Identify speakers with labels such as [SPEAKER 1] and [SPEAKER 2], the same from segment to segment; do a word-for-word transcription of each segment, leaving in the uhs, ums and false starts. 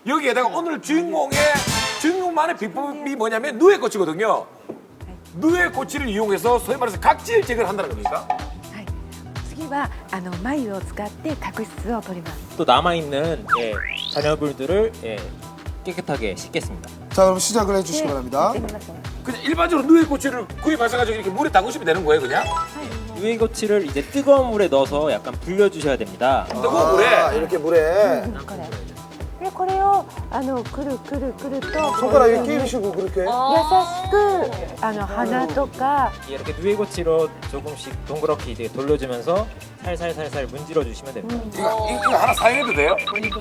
[SPEAKER 1] 여기에다가 오늘 주인공의 주인공만의 비법이 뭐냐면 누에꼬치거든요. 누에꼬치를 이용해서 소위 말해서 각질 제거를 한다는 겁니까?
[SPEAKER 2] 次はあの眉を使って角質を取ります。
[SPEAKER 3] 또 남아있는 예, 잔여물들을 예, 깨끗하게 씻겠습니다.
[SPEAKER 4] 자, 그럼 시작을 해주시기 바랍니다.
[SPEAKER 2] やってみましょう。
[SPEAKER 1] 그냥 일반적으로 누에꼬치를 구입하셔가지고 이렇게 물에 담그시면 되는 거예요, 그냥?
[SPEAKER 3] 누에꼬치를 이제 뜨거운 물에 넣어서 약간 불려주셔야 됩니다.
[SPEAKER 1] 뜨거운 물에.
[SPEAKER 4] 아, 이렇게 물에
[SPEAKER 2] これ。でこれをあのくるくるくると
[SPEAKER 4] 손가락 이렇게 끼우시고 그렇게.
[SPEAKER 2] 優しくあの鼻とか
[SPEAKER 3] 이렇게 누에꼬치로 조금씩 동그랗게 이제 돌려주면서 살살살살 문질러 주시면 됩니다.
[SPEAKER 1] 이거, 이거, 이거 하나 사용해도 돼요?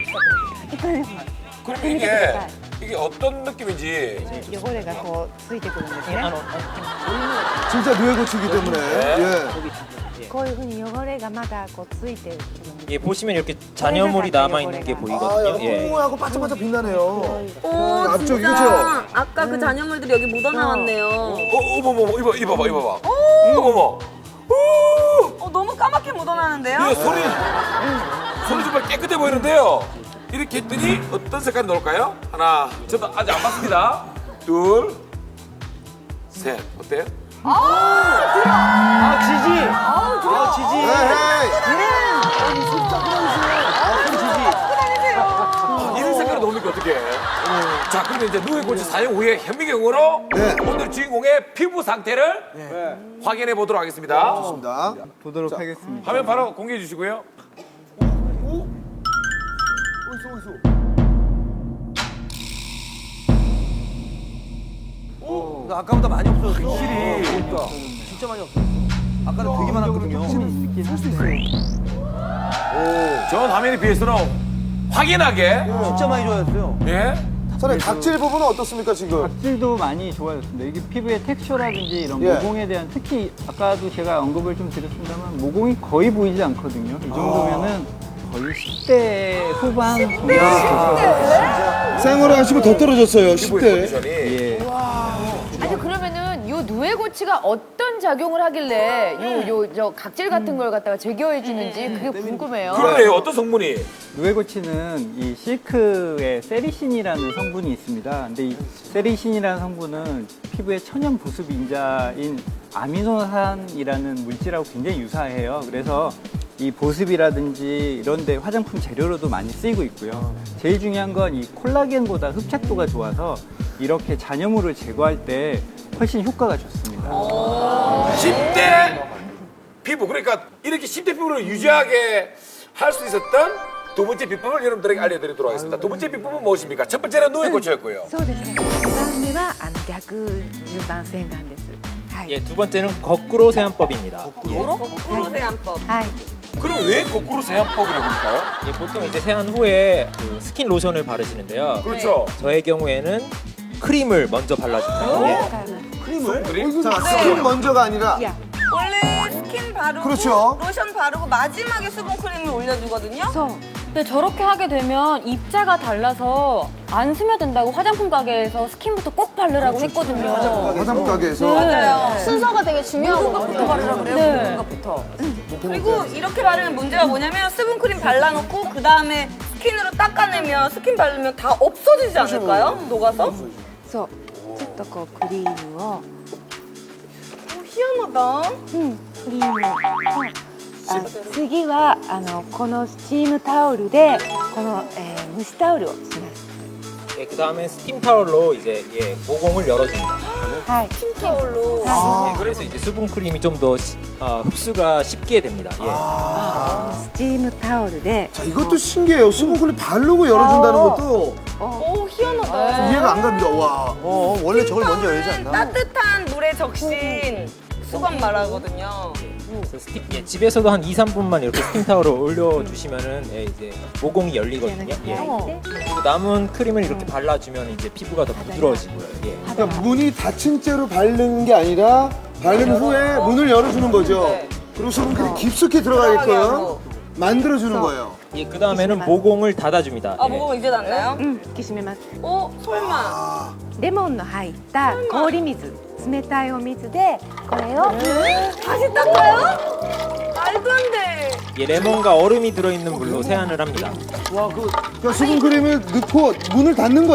[SPEAKER 1] 그럼 이게 이게 어떤 느낌인지
[SPEAKER 2] 汚れがこうついてくるんです
[SPEAKER 3] 예,
[SPEAKER 2] ね。
[SPEAKER 3] 아, 어,
[SPEAKER 4] 진짜 누에고치기 때문에. 예.
[SPEAKER 2] こういうふうに汚れがまだこうついてくるんです。
[SPEAKER 3] 예, 보시면 이렇게 잔여물이 남아있는 게
[SPEAKER 4] 아,
[SPEAKER 3] 보이거든요.
[SPEAKER 4] 약간
[SPEAKER 3] 예.
[SPEAKER 4] 뽀뽀하고 반짝반짝 빛나네요.
[SPEAKER 5] 오,
[SPEAKER 4] 앞쪽이,
[SPEAKER 5] 진짜.
[SPEAKER 4] 그쵸?
[SPEAKER 5] 아까 그 잔여물들이 여기 묻어나왔네요.
[SPEAKER 1] 어, 어머머머, 이봐, 이봐봐, 이봐봐. 어머머.
[SPEAKER 5] 어, 너무 까맣게 묻어나는데요?
[SPEAKER 1] 이거 소리, 소리 정말 깨끗해 보이는데요. 이렇게 했더니 어떤 색깔이 나올까요? 하나, 저도 아직 안 봤습니다. 둘, 셋. 어때요?
[SPEAKER 6] 아 지지. 아 지지.
[SPEAKER 4] 에헤이.
[SPEAKER 1] 아, 이런 색깔이 나오니까 어떡해. 자, 그러면 이제 누에꼬치 사용 후에 현미경으로
[SPEAKER 4] 네.
[SPEAKER 1] 오늘 주인공의 피부 상태를 확인해 보도록 하겠습니다.
[SPEAKER 4] 좋습니다.
[SPEAKER 6] 보도록 하겠습니다.
[SPEAKER 1] 화면 바로 공개해 주시고요.
[SPEAKER 6] 아까보다 많이 없어졌어. 확실히. 진짜 많이 없어졌어. 아까는 되게 많았거든요.
[SPEAKER 1] 전 화면에 비해서는 확연하게
[SPEAKER 6] 진짜 많이 좋아졌어요.
[SPEAKER 1] 예.
[SPEAKER 4] 선생님, 각질 부분은 어떻습니까, 지금?
[SPEAKER 7] 각질도 많이 좋아졌습니다. 이게 피부의 텍스처라든지 이런
[SPEAKER 4] 예.
[SPEAKER 7] 모공에 대한 특히 아까도 제가 언급을 좀 드렸습니다만 모공이 거의 보이지 않거든요. 이 정도면은 거의 십 대 후반 정도.
[SPEAKER 4] 생활을 하시고 더 떨어졌어요, 십
[SPEAKER 1] 피부의
[SPEAKER 4] 대.
[SPEAKER 1] 컨디션이.
[SPEAKER 7] 예.
[SPEAKER 8] 아니 그러면은 요 누에고치가 어떤 작용을 하길래 요 요 저 각질 같은 걸 갖다가 제거해 주는지 그게 궁금해요.
[SPEAKER 1] 그러네요. 어떤 성분이?
[SPEAKER 7] 누에고치는 이 실크에 세리신이라는 성분이 있습니다. 근데 이 세리신이라는 성분은 피부의 천연 보습 인자인 아미노산이라는 물질하고 굉장히 유사해요. 그래서 이 보습이라든지 이런 데 화장품 재료로도 많이 쓰이고 있고요. 제일 중요한 건 이 콜라겐보다 흡착도가 좋아서 이렇게 잔여물을 제거할 때 훨씬 효과가 좋습니다.
[SPEAKER 1] 십 대 피부. 그러니까 이렇게 십 대 피부를 유지하게 할 수 있었던 두 번째 비법을 여러분들에게 알려드리도록 하겠습니다. 두 번째 비법은 무엇입니까? 첫 번째는 누에꼬치였고요.
[SPEAKER 2] そうですね。にばんめはあの逆順番洗顔です。はい。
[SPEAKER 3] 예, 두 번째는 거꾸로 세안법입니다.
[SPEAKER 5] 거꾸로? 거꾸로 세안법.
[SPEAKER 2] はい。
[SPEAKER 1] 그럼 왜 거꾸로 세안법이라고 할까요?
[SPEAKER 3] 예, 보통 이제 세안 후에 그 스킨 로션을 바르시는데요.
[SPEAKER 1] 그렇죠.
[SPEAKER 3] 저의 경우에는 크림을 먼저 발라줍니다. 예.
[SPEAKER 4] 크림을?
[SPEAKER 1] 그림?
[SPEAKER 4] 자, 크림 먼저가 아니라.
[SPEAKER 2] 야.
[SPEAKER 5] 원래 스킨 바르고
[SPEAKER 4] 그렇죠.
[SPEAKER 5] 로션 바르고 마지막에 수분 크림을 올려주거든요.
[SPEAKER 2] そう。
[SPEAKER 8] 근데 저렇게 하게 되면 입자가 달라서 안 스며든다고 화장품 가게에서 스킨부터 꼭 바르라고 했거든요.
[SPEAKER 4] 화장품 가게에서.
[SPEAKER 5] 맞아요.
[SPEAKER 8] 순서가 되게 중요하거든요.
[SPEAKER 5] 바르라고 그래요.
[SPEAKER 8] 네.
[SPEAKER 5] 먹는 것부터. 그리고 이렇게 바르면 문제가 뭐냐면 수분 크림 발라놓고 그 다음에 스킨으로 닦아내면 스킨 바르면 다 없어지지 않을까요? 녹아서?
[SPEAKER 2] そう。ちょっとこうクリームを。
[SPEAKER 5] 오, 희한하다.
[SPEAKER 2] うん。クリームを。あ次はあのこのスチームタオルでこの、えー蒸しタオルをします。
[SPEAKER 3] 예, 그 다음에 스팀 타월로 이제 예, 모공을 열어줍니다.
[SPEAKER 2] はい。
[SPEAKER 5] 타올로.
[SPEAKER 3] 예, 그래서 이제 수분 크림이 좀 더 어, 흡수가 쉽게 됩니다. 예.
[SPEAKER 2] スチームタオルで
[SPEAKER 4] 자, 이것도 신기해요. 수분크림 바르고 열어준다는 것도
[SPEAKER 5] 오, 희한하다.
[SPEAKER 4] 이해가 안 갑니다. 와.
[SPEAKER 6] 어 원래 저걸 먼저 열지 않나?
[SPEAKER 5] 따뜻한 물에 적신 수건 말하거든요.
[SPEAKER 3] 그래서 스팀, 예, 집에서도 한 이, 삼 분만 이렇게 스팀 타월을 올려주시면은 예, 이제 모공이 열리거든요. 예. 그리고 남은 크림을 이렇게 발라주면 이제 피부가 더 부드러워지고요. 예.
[SPEAKER 4] 그러니까 문이 닫힌 채로 바르는 게 아니라 바른 후에 문을 열어주는 거죠.
[SPEAKER 5] 네.
[SPEAKER 4] 그리고 수분크림 깊숙이 들어가게끔 만들어주는 거예요.
[SPEAKER 3] 예, 그 다음에는 모공을 닫아줍니다.
[SPEAKER 5] 아,
[SPEAKER 3] 예.
[SPEAKER 5] 뭐가 이제 났나요?
[SPEAKER 2] うん引き締めます。
[SPEAKER 5] 어, 설마.
[SPEAKER 2] レモンの入った氷水、冷たいお水でこれを
[SPEAKER 5] 다시 닦아요? 말도 안 돼.
[SPEAKER 3] 이 레몬과 얼음이 들어있는 물로 세안을 합니다.
[SPEAKER 4] 그러니까 수분크림을 넣고 문을 닫는 거예요.